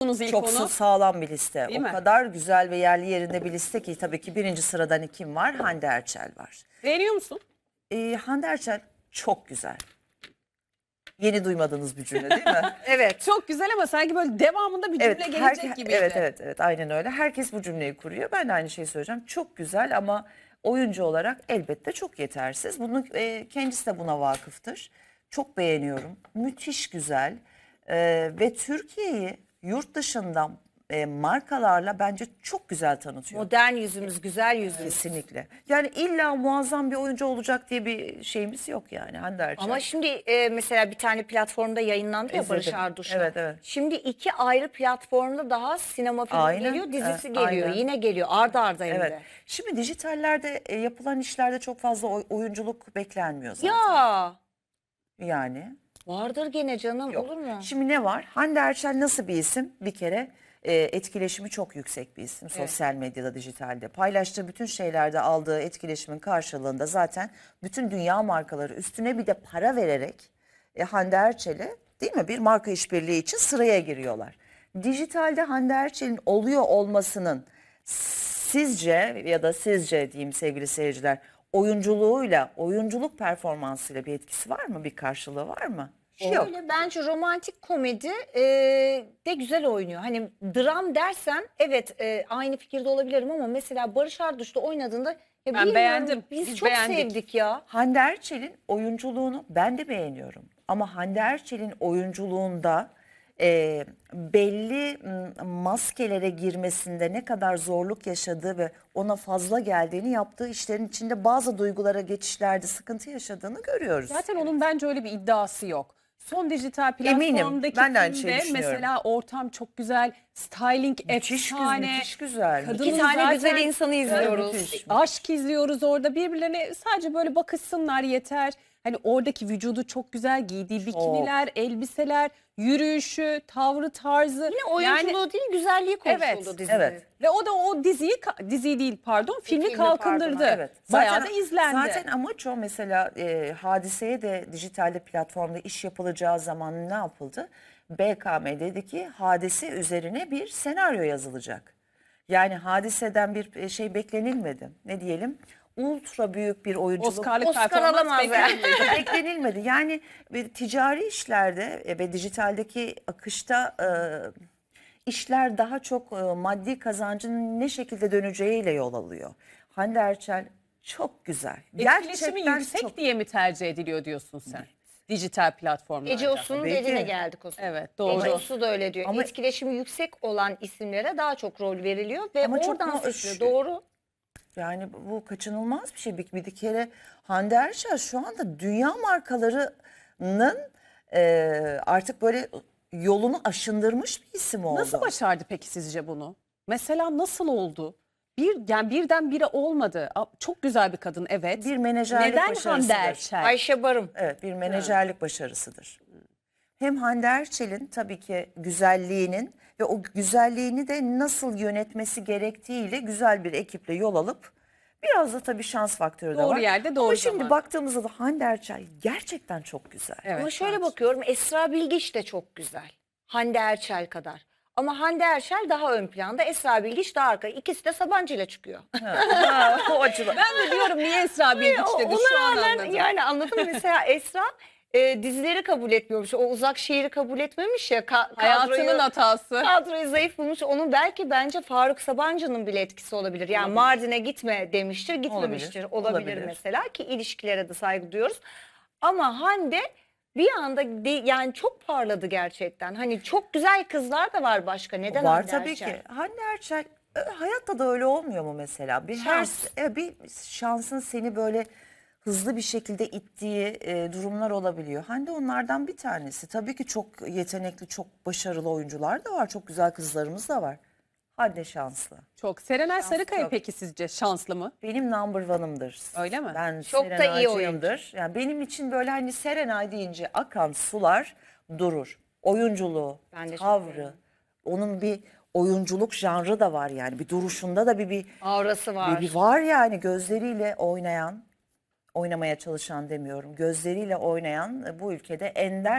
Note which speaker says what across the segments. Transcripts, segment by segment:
Speaker 1: koydunuz ilk
Speaker 2: Çok
Speaker 1: onu.
Speaker 2: sağlam bir liste.
Speaker 1: Değil
Speaker 2: O
Speaker 1: mi?
Speaker 2: kadar güzel ve yerli yerinde bir liste ki tabii ki birinci sırada hani kim var? Hande Erçel var.
Speaker 1: Beğeniyor musun?
Speaker 2: Hande Erçel çok güzel. Yeni duymadığınız bir cümle değil mi?
Speaker 1: Evet. Çok güzel ama sanki böyle devamında bir cümle gelecek gibiydi.
Speaker 2: Evet aynen öyle. Herkes bu cümleyi kuruyor. Ben de aynı şeyi söyleyeceğim. Çok güzel ama oyuncu olarak elbette çok yetersiz. Bunu kendisi de buna vakıftır. Çok beğeniyorum. Müthiş güzel. Ve Türkiye'yi yurt dışından markalarla bence çok güzel tanıtıyor.
Speaker 3: Modern yüzümüz, güzel yüzümüz.
Speaker 2: Kesinlikle. Yani illa muazzam bir oyuncu olacak diye bir şeyimiz yok yani Hande Erçel.
Speaker 3: Ama şimdi mesela bir tane platformda yayınlandı ya Barış
Speaker 2: İzledim.
Speaker 3: Arduç'la.
Speaker 2: Evet.
Speaker 3: Şimdi 2 ayrı platformda daha sinema filmi
Speaker 2: Aynen,
Speaker 3: geliyor, dizisi
Speaker 2: evet,
Speaker 3: geliyor.
Speaker 2: aynen.
Speaker 3: Yine geliyor arda arda hem
Speaker 2: Evet.
Speaker 3: de.
Speaker 2: Şimdi dijitallerde yapılan işlerde çok fazla oyunculuk beklenmiyor zaten.
Speaker 3: Ya
Speaker 2: Yani
Speaker 3: vardır gene canım,
Speaker 2: yok.
Speaker 3: olur mu?
Speaker 2: Şimdi ne var? Hande Erçel nasıl bir isim? Bir kere etkileşimi çok yüksek bir isim. Sosyal medyada, dijitalde. Paylaştığı bütün şeylerde aldığı etkileşimin karşılığında zaten bütün dünya markaları üstüne bir de para vererek Hande Erçel'e değil mi bir marka işbirliği için sıraya giriyorlar. Dijitalde Hande Erçel'in oluyor olmasının sizce ya da sizce diyeyim sevgili seyirciler oyunculuğuyla, oyunculuk performansıyla bir etkisi var mı? Bir karşılığı var mı? Yok.
Speaker 3: Öyle bence romantik komedi de güzel oynuyor. Hani dram dersen evet aynı fikirde olabilirim ama mesela Barış Arduç'ta oynadığında ya bilmiyorum,
Speaker 1: beğendim.
Speaker 3: Biz
Speaker 1: Biz
Speaker 3: çok
Speaker 1: beğendik.
Speaker 3: sevdik ya.
Speaker 2: Hande Erçel'in oyunculuğunu ben de beğeniyorum. Ama Hande Erçel'in oyunculuğunda belli maskelere girmesinde ne kadar zorluk yaşadığı ve ona fazla geldiğini yaptığı işlerin içinde bazı duygulara geçişlerde sıkıntı yaşadığını görüyoruz.
Speaker 1: Zaten onun bence öyle bir iddiası yok. Son dijital
Speaker 2: Eminim.
Speaker 1: platformdaki
Speaker 2: Ben de aynı şeyi
Speaker 1: filmde
Speaker 2: düşünüyorum.
Speaker 1: mesela ortam çok güzel, styling efsane.
Speaker 2: Müthiş güzel.
Speaker 1: Kadının
Speaker 3: 2 tane
Speaker 1: zaten-
Speaker 3: güzel insanı izliyoruz.
Speaker 2: müthiş.
Speaker 1: Aşk izliyoruz orada, birbirlerine sadece böyle bakışsınlar yeter. Hani oradaki vücudu çok güzel, giydiği bikiniler, elbiseler, yürüyüşü, tavrı, tarzı.
Speaker 3: Yine oyunculuğu değil, güzelliği konuşuldu
Speaker 1: Evet,
Speaker 3: dizide.
Speaker 2: evet.
Speaker 1: Ve o da o diziyi değil pardon, filmi
Speaker 3: Filmi,
Speaker 1: kalkındırdı.
Speaker 3: pardon,
Speaker 2: Evet.
Speaker 1: Bayağı da izlendi.
Speaker 2: Zaten amaç o mesela Hadise'ye de dijitalde platformda iş yapılacağı zaman ne yapıldı? BKM dedi ki Hadise üzerine bir senaryo yazılacak. Yani Hadise'den bir şey beklenilmedi. Ne diyelim? Ultra büyük bir oyunculuk.
Speaker 1: Oscar'lık
Speaker 3: Oscar
Speaker 1: performans
Speaker 3: alamaz yani.
Speaker 1: beklenmiyor.
Speaker 2: Beklenilmedi. Yani ticari işlerde ve dijitaldeki akışta işler daha çok maddi kazancın ne şekilde döneceğiyle yol alıyor. Hande Erçel çok güzel.
Speaker 1: Etkileşimi yüksek
Speaker 2: çok.
Speaker 1: diye mi tercih ediliyor diyorsun sen? Dijital platformlarda.
Speaker 3: Ece Osu'nun
Speaker 2: Tabii
Speaker 3: dediğine
Speaker 2: ki.
Speaker 3: geldik o zaman.
Speaker 1: Evet, doğru.
Speaker 3: Ece Osu da öyle diyor.
Speaker 2: Ama-
Speaker 3: Etkileşimi yüksek olan isimlere daha çok rol veriliyor ve
Speaker 2: Ama çok
Speaker 3: oradan
Speaker 2: mu-
Speaker 3: seçiliyor. Doğru.
Speaker 2: Yani bu kaçınılmaz bir şey. Bir kere Hande Erçel şu anda dünya markalarının artık böyle yolunu aşındırmış bir isim oldu.
Speaker 1: Nasıl başardı peki sizce bunu? Mesela nasıl oldu? Yani birdenbire olmadı. Çok güzel bir kadın, evet.
Speaker 2: Bir menajerlik
Speaker 1: Neden Hande
Speaker 2: başarısıdır.
Speaker 1: Erçel?
Speaker 3: Ayşe Barım.
Speaker 2: Evet, bir menajerlik başarısıdır. Hem Hande Erçel'in tabii ki güzelliğinin ve o güzelliğini de nasıl yönetmesi gerektiğiyle güzel bir ekiple yol alıp biraz da tabii şans faktörü de
Speaker 1: Doğru
Speaker 2: var.
Speaker 1: yerde, doğru
Speaker 2: Ama şimdi
Speaker 1: zamanda.
Speaker 2: baktığımızda da Hande Erçel gerçekten çok güzel.
Speaker 1: Evet,
Speaker 3: Ama şöyle
Speaker 1: evet.
Speaker 3: bakıyorum, Esra Bilgiç de çok güzel. Hande Erçel kadar. Ama Hande Erçel daha ön planda, Esra Bilgiç daha arka. İkisi de Sabancı ile çıkıyor.
Speaker 2: O açıdan.
Speaker 1: Ben de diyorum niye Esra Bilgiç dedi, şu
Speaker 3: Ona
Speaker 1: an
Speaker 3: rağmen
Speaker 1: anladım.
Speaker 3: yani anladın mı? Mesela Esra dizileri kabul etmiyormuş. O uzak şehri kabul etmemiş ya.
Speaker 1: Hayatının hatası.
Speaker 3: Kadroyu zayıf bulmuş. Onun belki bence Faruk Sabancı'nın bile etkisi olabilir. Yani Mardin'e gitme demiştir, gitmemiştir. Olabilir mesela, ki ilişkilere de saygı duyuyoruz. Ama Hande bir anda yani çok parladı gerçekten. Hani çok güzel kızlar da var başka. Neden
Speaker 2: Var
Speaker 3: Hande
Speaker 2: tabii
Speaker 3: Erçel?
Speaker 2: ki. Hande Erçel hayatta da öyle olmuyor mu mesela?
Speaker 3: Şans.
Speaker 2: Bir şansın seni böyle hızlı bir şekilde ittiği durumlar olabiliyor. Hande onlardan bir tanesi. Tabii ki çok yetenekli, çok başarılı oyuncular da var. Çok güzel kızlarımız da var. Hande şanslı.
Speaker 1: Çok. Serenay Sarıkaya
Speaker 2: çok.
Speaker 1: peki sizce şanslı mı?
Speaker 2: Benim number one'ımdır.
Speaker 1: Öyle mi?
Speaker 2: Ben
Speaker 3: Çok da iyi
Speaker 2: Serenaycıyımdır. Yani benim için böyle hani Serenay deyince akan sular durur. Oyunculuğu,
Speaker 3: Ben de çok
Speaker 2: tavrı,
Speaker 3: beğendim.
Speaker 2: onun bir oyunculuk janrı da var yani. Bir duruşunda da bir
Speaker 3: Aurası var.
Speaker 2: bir var yani gözleriyle oynayan, oynamaya çalışan demiyorum. Gözleriyle oynayan bu ülkede ender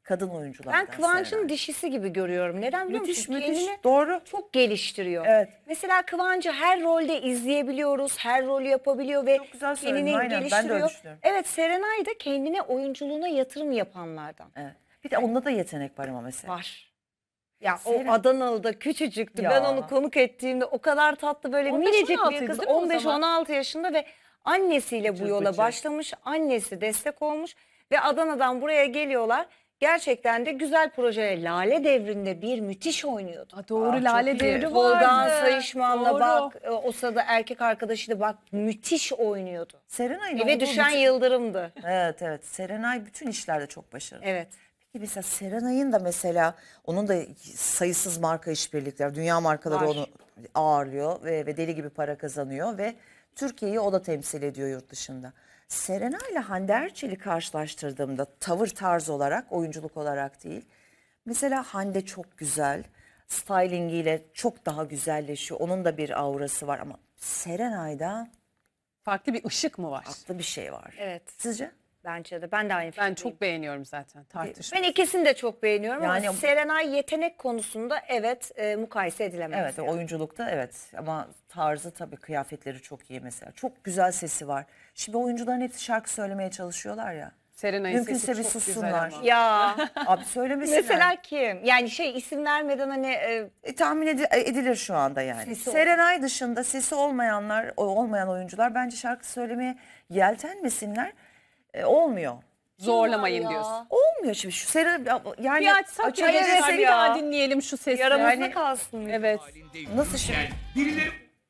Speaker 2: kadın oyunculardan.
Speaker 3: Ben Kıvanç'ın
Speaker 2: Serenay.
Speaker 3: dişisi gibi görüyorum. Neden biliyor
Speaker 2: Müthiş,
Speaker 3: musun?
Speaker 2: müthiş.
Speaker 3: Kendini
Speaker 2: Doğru.
Speaker 3: çok geliştiriyor.
Speaker 2: Evet.
Speaker 3: Mesela Kıvanç'ı her rolde izleyebiliyoruz. Her rolü yapabiliyor ve
Speaker 2: Çok güzel söyledin,
Speaker 3: kendini
Speaker 2: aynen. Ben de öyle
Speaker 3: geliştiriyor.
Speaker 2: düşünüyorum.
Speaker 3: Evet, Serenay da kendine, oyunculuğuna yatırım yapanlardan.
Speaker 2: Evet. Bir de onda da yetenek var ama mesela.
Speaker 3: Var. Ya
Speaker 2: Seren-
Speaker 3: o Adanalı'da küçücüktü.
Speaker 2: Ya.
Speaker 3: Ben onu konuk ettiğimde o kadar tatlı, böyle
Speaker 1: 15-16
Speaker 3: minicik bir
Speaker 1: ydı
Speaker 3: kız.
Speaker 1: değil mi o zaman?
Speaker 3: 15-16 yaşında ve annesiyle bu
Speaker 2: Bıcır
Speaker 3: yola
Speaker 2: bıcır.
Speaker 3: başlamış. Annesi destek olmuş ve Adana'dan buraya geliyorlar. Gerçekten de güzel projeler. Lale Devri'nde bir müthiş oynuyordu.
Speaker 1: Doğru,
Speaker 2: çok
Speaker 1: Lale
Speaker 2: iyi.
Speaker 1: Devri vardı.
Speaker 3: Volkan Sayışman'la
Speaker 1: Doğru.
Speaker 3: bak, o sırada erkek arkadaşıydı, bak müthiş oynuyordu.
Speaker 2: Serenay'ın
Speaker 3: Eve
Speaker 2: olduğu
Speaker 3: düşen
Speaker 2: bütün-
Speaker 3: yıldırımdı.
Speaker 2: Evet evet. Serenay bütün işlerde çok başarılı.
Speaker 3: Evet.
Speaker 2: Peki mesela Serenay'ın da mesela onun da sayısız marka işbirlikleri, dünya markaları
Speaker 3: Var.
Speaker 2: onu ağırlıyor ve deli gibi para kazanıyor ve Türkiye'yi o da temsil ediyor yurt dışında. Serenay ile Hande Erçel'i karşılaştırdığımda tavır tarz olarak, oyunculuk olarak değil. Mesela Hande çok güzel, stylingiyle çok daha güzelleşiyor. Onun da bir aurası var ama Serenay'da
Speaker 1: Farklı bir ışık mı var?
Speaker 2: farklı bir şey var.
Speaker 3: Evet.
Speaker 2: Sizce?
Speaker 3: Bence de. Ben de aynı
Speaker 1: Ben
Speaker 3: fikirdeyim.
Speaker 1: çok beğeniyorum zaten, tartışma.
Speaker 3: Ben ikisini de çok beğeniyorum
Speaker 2: Yani-
Speaker 3: ama Serenay yetenek konusunda evet, mukayese edilemez.
Speaker 2: Evet,
Speaker 3: yani.
Speaker 2: oyunculukta evet ama tarzı tabii, kıyafetleri çok iyi mesela. Çok güzel sesi var. Şimdi oyuncuların hepsi şarkı söylemeye çalışıyorlar ya.
Speaker 1: Serenay'ın
Speaker 2: Mümkünse
Speaker 1: sesi
Speaker 2: bir
Speaker 1: çok
Speaker 2: sussunlar.
Speaker 1: güzel ama.
Speaker 3: Ya
Speaker 2: Abi söylemesinler.
Speaker 3: mesela kim? Yani isim vermeden hani
Speaker 2: Tahmin edilir şu anda yani.
Speaker 3: Sesi
Speaker 2: Serenay dışında sesi olmayanlar, olmayan oyuncular bence şarkı söylemeye yeltenmesinler. Olmuyor.
Speaker 1: Zorlamayın
Speaker 3: ya.
Speaker 1: diyorsun.
Speaker 2: Olmuyor şimdi şu Serenay yani
Speaker 1: Bir açsak
Speaker 2: açık
Speaker 1: ya,
Speaker 3: evet
Speaker 1: geçer, bir
Speaker 3: ya.
Speaker 1: daha dinleyelim şu sesi.
Speaker 3: yaramızda
Speaker 1: Yani,
Speaker 3: kalsın.
Speaker 1: evet.
Speaker 2: nasıl şimdi?
Speaker 4: Birileri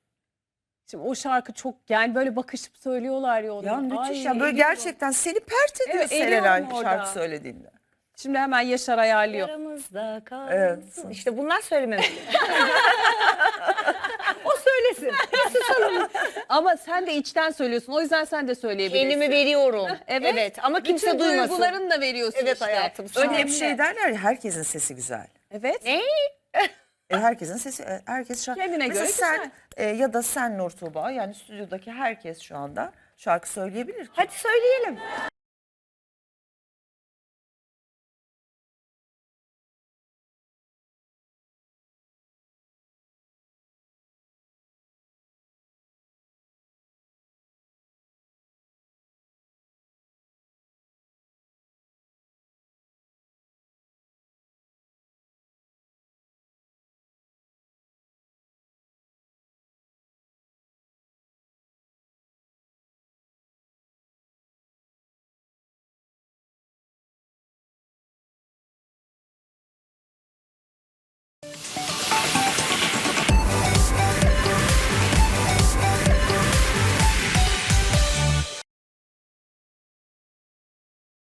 Speaker 1: Şimdi o şarkı çok, yani böyle bakışıp söylüyorlar ya onu.
Speaker 2: Ya müthiş
Speaker 1: Ay,
Speaker 2: ya, böyle
Speaker 1: eriyorum.
Speaker 2: gerçekten seni pert ediyor
Speaker 1: Evet, eriyorum
Speaker 2: Serenay
Speaker 1: orada.
Speaker 2: şarkı söylediğinde.
Speaker 1: Şimdi hemen Yaşar ayarlıyor.
Speaker 3: Yaramızda kalsın.
Speaker 2: Evet.
Speaker 3: İşte bunlar söylememiz. O söylesin.
Speaker 1: Ama sen de içten söylüyorsun. O yüzden sen de söyleyebilirsin.
Speaker 3: Kendimi veriyorum.
Speaker 1: Evet.
Speaker 3: Evet. Ama kimse
Speaker 1: Bütün
Speaker 3: duymasın.
Speaker 1: duygularını da veriyorsun
Speaker 3: Evet
Speaker 1: işte.
Speaker 3: hayatım.
Speaker 2: Öyle
Speaker 1: Önemli.
Speaker 2: bir şey derler ya, herkesin sesi güzel.
Speaker 1: Evet.
Speaker 3: Ne?
Speaker 2: Herkesin sesi, herkes şarkı.
Speaker 1: Kendine
Speaker 2: Mesela
Speaker 1: göre
Speaker 2: sen ya da sen Nur Tuğba, yani stüdyodaki herkes şu anda şarkı söyleyebilir ki.
Speaker 3: Hadi söyleyelim.